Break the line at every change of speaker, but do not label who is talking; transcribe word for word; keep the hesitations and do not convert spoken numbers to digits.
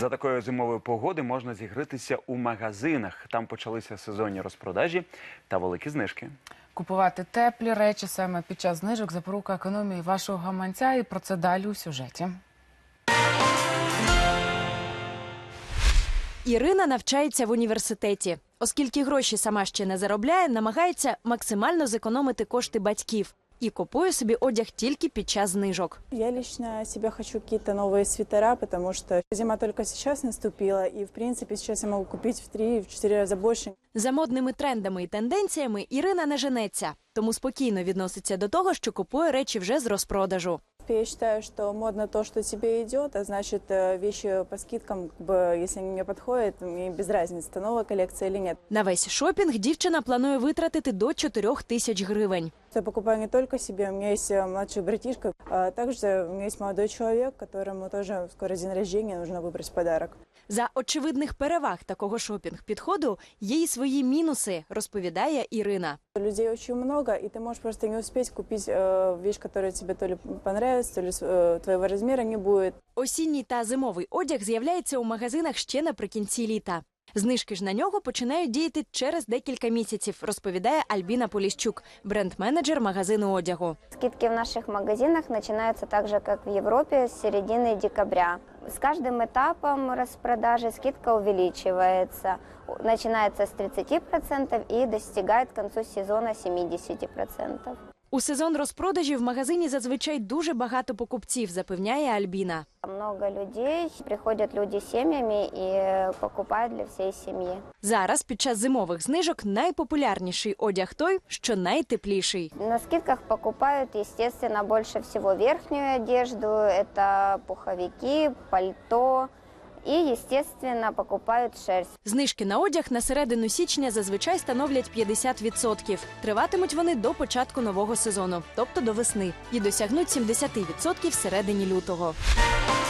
За такої зимової погоди можна зігрітися у магазинах. Там почалися сезонні розпродажі та великі знижки.
Купувати теплі речі саме під час знижок – запорука економії вашого гаманця. І про це далі у сюжеті.
Ірина навчається в університеті. Оскільки гроші сама ще не заробляє, намагається максимально зекономити кошти батьків. І купує собі одяг тільки під час знижок.
Я лично себе хочу какие-то новые свитера, потому что зима только сейчас наступила, и в принципе сейчас я могу купить в три-четыре раза больше.
За модними трендами і тенденціями Ірина не женеться, тому спокійно відноситься до того, що купує речі вже з розпродажу.
Я считаю, что модно то, что тебе идет, а значит вещи по скидкам, как бы, если они мне подходят, мне без разницы, это новая коллекция или нет.
На весь шопінг дівчина планує витратити до чотирьох тисяч гривень.
Я покупаю не только себе, у меня есть младший братишка, а также у меня есть молодой человек, которому тоже скоро день рождения, нужно выбрать подарок.
За очевидних переваг такого шопінг-підходу є й свої мінуси, розповідає Ірина.
Людей очень много, и ты можешь просто не успеть купить э, вещь, которая тебе то ли понравится, то ли э, твоего размера не будет.
Осінній та зимовий одяг з'являється у магазинах ще наприкінці літа. Знижки ж на нього починають діяти через декілька місяців, розповідає Альбіна Поліщук, бренд-менеджер магазину одягу.
Скидки в наших магазинах начинаются так же, как в Европе, с середины декабря. С каждым этапом распродажи скидка увеличивается. Начинается с тридцати процентов и достигает к концу сезона семидесяти процентов.
У сезон розпродажів в магазині зазвичай дуже багато покупців, запевняє Альбіна.
Много людей, приходят люди с семьями и покупают для всей семьи.
Зараз під час зимових знижок найпопулярніший одяг той, що найтепліший.
На скидках покупают, естественно, больше всего верхнюю одежду, это пуховики, пальто. І, естественно, покупають шерсть.
Знижки на одяг на середину січня зазвичай становлять п'ятдесят відсотків. Триватимуть вони до початку нового сезону, тобто до весни. І досягнуть сімдесят відсотків в середині лютого.